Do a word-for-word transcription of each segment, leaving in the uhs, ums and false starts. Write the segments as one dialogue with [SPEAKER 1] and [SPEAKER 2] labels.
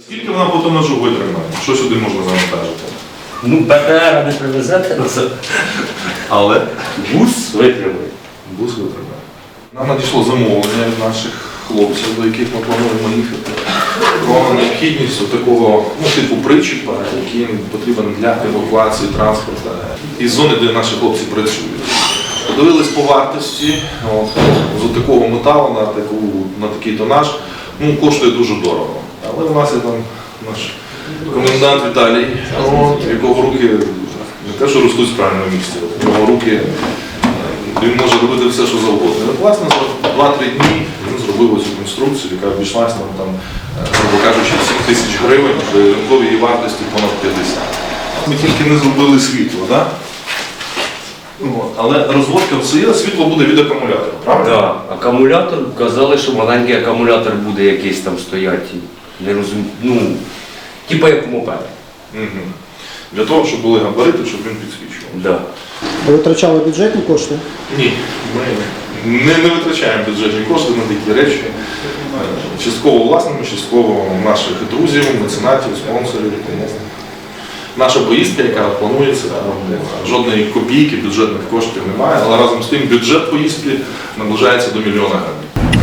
[SPEAKER 1] Скільки вона по тонажу витримає? Що сюди можна завантажити?
[SPEAKER 2] Ну, БТР не привезете на це.
[SPEAKER 1] Але
[SPEAKER 2] Бус витримує.
[SPEAKER 1] бус витримає. Нам надійшло замовлення від наших хлопців, до яких ми плануємо їхати, про необхідність такого ну, типу причіпа, який потрібен для евакуації транспорту із зони, де наші хлопці працюють. Подивились по вартості, от, з такого металу на, таку, на такий тонаж, ну, коштує дуже дорого. Але у нас є там наш комендант Віталій, от, якого руки не те, що ростуть в правильному місці, його руки, він може робити все, що завгодно. І, власне, за два-три дні він зробив цю конструкцію, яка обійшлася нам, там, грубо кажучи, сім тисяч гривень, при ринковій її вартості понад п'ятдесят. Ми тільки не зробили світло, да? От. Але розводка все є, світло буде від акумулятора, правильно?
[SPEAKER 2] Так, акумулятор, казали, що маленький акумулятор буде якийсь там стояти. Не розумію, ну, типа як мопед.
[SPEAKER 1] Угу. Для того, щоб були габарити, щоб він підсвічував.
[SPEAKER 2] Да.
[SPEAKER 3] Ви витрачали бюджетні кошти?
[SPEAKER 1] Ні, ми не, не витрачаємо бюджетні кошти на такі речі. Частково власними, частково наших друзів, меценатів, спонсорів. Тому наша поїздка, яка планується, там, жодної копійки бюджетних коштів немає, але разом з тим бюджет поїздки наближається до мільйона гривень.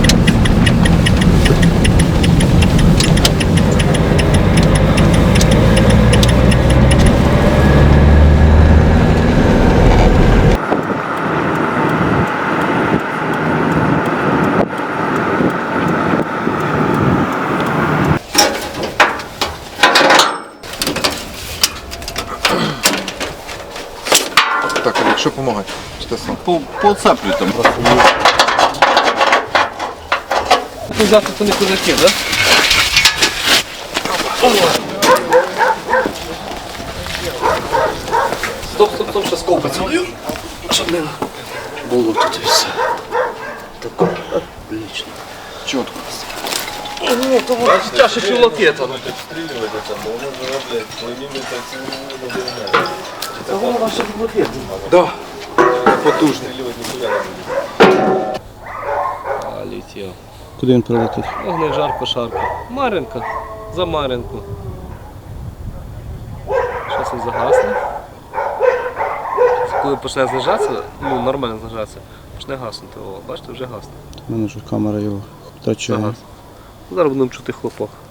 [SPEAKER 4] Так, Олег, що допомагати? Чи ти сам?
[SPEAKER 5] По, поцеплюй там просто.
[SPEAKER 6] Ну, завтра це не козаки, так? Стоп, стоп, стоп, ще скол поцілую, щоб не було тут і все. Так, отлично.
[SPEAKER 4] Чітко.
[SPEAKER 6] Ну, то воно чаще чулаки там. Це воно ваше чулаки.
[SPEAKER 4] Да. Потужний.
[SPEAKER 6] А, летів.
[SPEAKER 3] Куди він прилетить?
[SPEAKER 6] Огне жарко, шарко. Маринка. За Маринку. Щось він загасне. Коли почне знижатися, ну нормально знижатися, почне гаснути. О, бачите, вже гасне.
[SPEAKER 3] У мене ж камера його втрачає.
[SPEAKER 6] Загас. Зараз будемо чути хлопок.